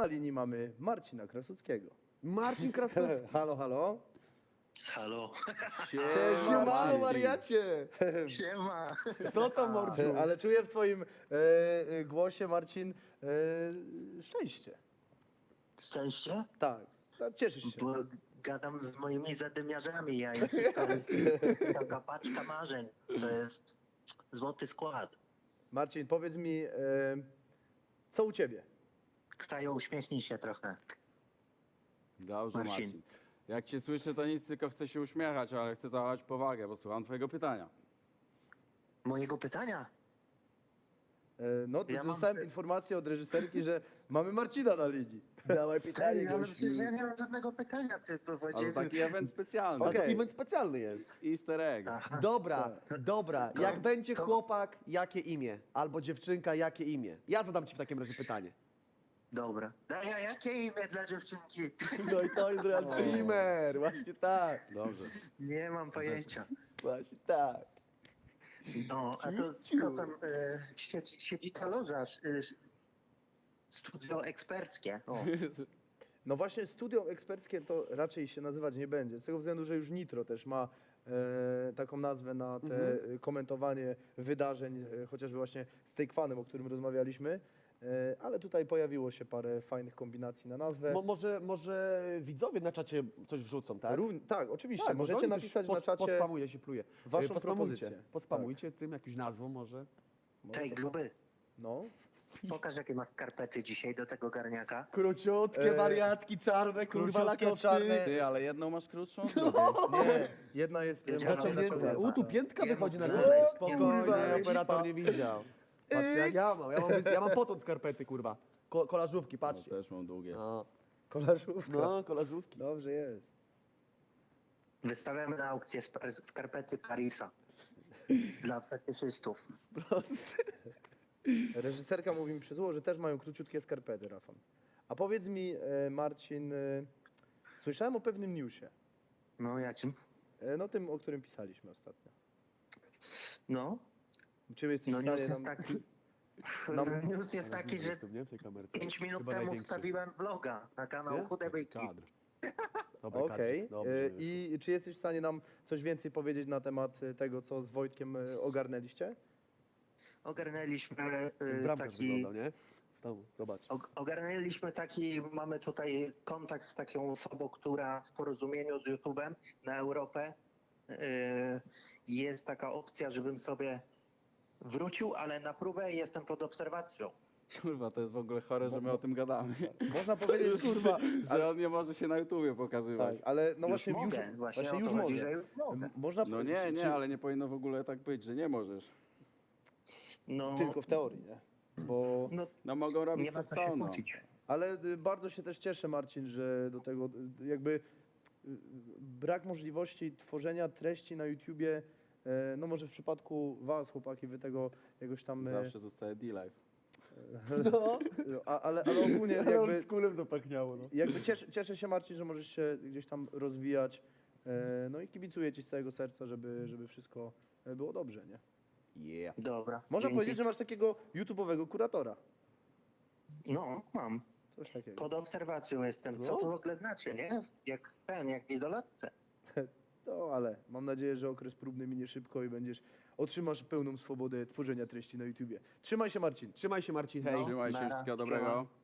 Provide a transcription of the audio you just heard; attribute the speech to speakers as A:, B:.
A: na linii mamy Marcina Krasuckiego.
B: Marcin Krasucki.
A: Halo, halo.
C: Halo.
A: Cześć,
B: Siemano,
A: Marcin.
B: wariacie.
C: Siema.
B: Co tam, mordziu?
A: Ale czuję w twoim głosie, Marcin, szczęście.
C: Szczęście?
A: Tak, cieszysz się.
C: Bo gadam z moimi zadymiarzami. Ja taka paczka marzeń. To jest złoty skład.
A: Marcin, powiedz mi, co u ciebie?
C: Ksajo, uśmiechnij się trochę.
D: Dobrze,
C: Marcin.
D: Marcin. Jak cię słyszę, to nic, tylko chcę się uśmiechać, ale chcę zachować powagę, bo słucham twojego pytania.
C: Mojego pytania?
A: No,
C: Ja mam-
A: dostałem informację od reżyserki, że mamy Marcina na linii. Dawaj pytanie,
C: Ja
A: gościu.
C: przecież ja nie mam żadnego pytania. Ty
D: Ale
C: powiedzieli.
D: taki event specjalny.
A: Okej.
B: To event specjalny jest.
D: Easter egg.
C: Aha.
B: Dobra, dobra. Jak będzie
C: to-
B: chłopak, jakie imię? Albo dziewczynka, jakie imię? Ja zadam ci w takim razie pytanie.
C: Dobra. A ja jakie imię dla dziewczynki?
B: No i to jest real streamer. Właśnie tak.
D: Dobrze.
C: Nie mam pojęcia.
B: Właśnie tak.
C: No, a to co tam siedzi ta loża? Studio eksperckie. O.
A: No właśnie studio eksperckie to raczej się nazywać nie będzie, z tego względu, że już Nitro też ma taką nazwę na te komentowanie wydarzeń, chociażby właśnie z Takefanem, o którym rozmawialiśmy, ale tutaj pojawiło się parę fajnych kombinacji na nazwę.
B: Może widzowie na czacie coś wrzucą, tak?
A: Tak, oczywiście,
B: Tak,
A: możecie
B: oni też
A: napisać na czacie
B: Pospamuje się, pluje.
A: waszą
B: Pospamujcie,
A: propozycję.
B: Pospamujcie tym jakąś nazwą może.
C: Tej gruby.
A: No.
C: Pokaż jakie masz skarpety dzisiaj do tego garniaka.
B: Króciutkie wariatki, czarne, kurwa,
A: króciutkie,
B: lakowcy.
A: czarne.
D: Ty, ale jedną masz krótszą?
A: Nie, jedna jest
C: Wiedziałem,
A: bardziej
C: że
B: Zaciągnięte.
A: naciągnięta.
B: Tu piętka
C: Nie
B: wychodzi na
C: mów,
B: górę.
C: nie
B: Spokojnie,
C: mów,
B: operator nie widział. Patrzcie jak ja mam. Ja mam potąd skarpety, kurwa. Kolażówki,
D: No,
B: patrzcie.
D: też mam długie.
B: No,
A: Kolażówka.
B: no kolażówki.
A: Dobrze jest.
C: Wystawiamy na aukcję skarpety Parisa. Dla fetyszystów.
A: Reżyserka mówi mi przez ucho, że też mają króciutkie skarpety, Rafał. A powiedz mi, Marcin, słyszałem o pewnym newsie.
C: No jakim?
A: No tym, o którym pisaliśmy ostatnio.
C: No,
A: Czy jesteś
C: no
A: w
C: news
A: stanie
C: jest
A: nam...
C: taki.
A: nam-
C: News jest taki, że
B: Jestem, nie? W tej kamerce.
C: 5 minut
B: Chyba
C: temu
B: największy.
C: wstawiłem vloga na kanał
B: Nie?
C: Chude Byki.
B: Kadr. Dobry
A: Okej.
B: kadr. Dobrze.
A: I czy jesteś w stanie nam coś więcej powiedzieć na temat tego, co z Wojtkiem ogarnęliście?
C: Ogarnęliśmy
B: Bramkarz
C: taki.
B: wyglądał, nie? W domu, zobacz.
C: Ogarnęliśmy taki, mamy tutaj kontakt z taką osobą, która w porozumieniu z YouTube'em na Europę jest taka opcja, żebym sobie wrócił, ale na próbę jestem pod obserwacją.
D: Kurwa, to jest w ogóle chore, że my o tym gadamy.
A: Można powiedzieć, kurwa,
D: Że on nie może się na YouTubie pokazywać.
A: tak, ale no
C: Już
A: właśnie już,
C: mogę, właśnie o to
A: już
C: chodzi,
A: może.
C: że już mogę.
A: Można
D: No
A: powiedzieć,
D: nie,
A: czy-
D: nie, ale nie powinno w ogóle tak być, że nie możesz.
C: No,
A: Tylko w teorii, nie? Bo...
C: no
D: No mogą robić
C: nie ma
D: co
C: co się
D: chcą, no.
C: kłócić.
A: Ale bardzo się też cieszę, Marcin, że do tego jakby brak możliwości tworzenia treści na YouTubie, no może w przypadku was, chłopaki, wy tego jakoś tam...
D: Zawsze zostaje D-Live.
B: No,
A: ale ogólnie
B: ale
A: jakby,
B: oldschoolem zapachniało, no.
A: jakby cieszę się, Marcin, że możesz się gdzieś tam rozwijać. No i kibicuję ci z całego serca, żeby wszystko było dobrze, nie?
D: Yeah.
C: Dobra.
A: Można
C: dzięki.
A: powiedzieć, że masz takiego YouTube'owego kuratora.
C: No, mam.
A: Coś takiego.
C: Pod obserwacją jestem. Co
B: No.
C: to w ogóle znaczy, nie? Jak w izolatce.
A: No, ale mam nadzieję, że okres próbny minie szybko i otrzymasz pełną swobodę tworzenia treści na YouTubie. Trzymaj się, Marcin.
B: Trzymaj się, Marcin, hej.
C: No.
D: Trzymaj się,
C: Nara.
D: wszystkiego dobrego.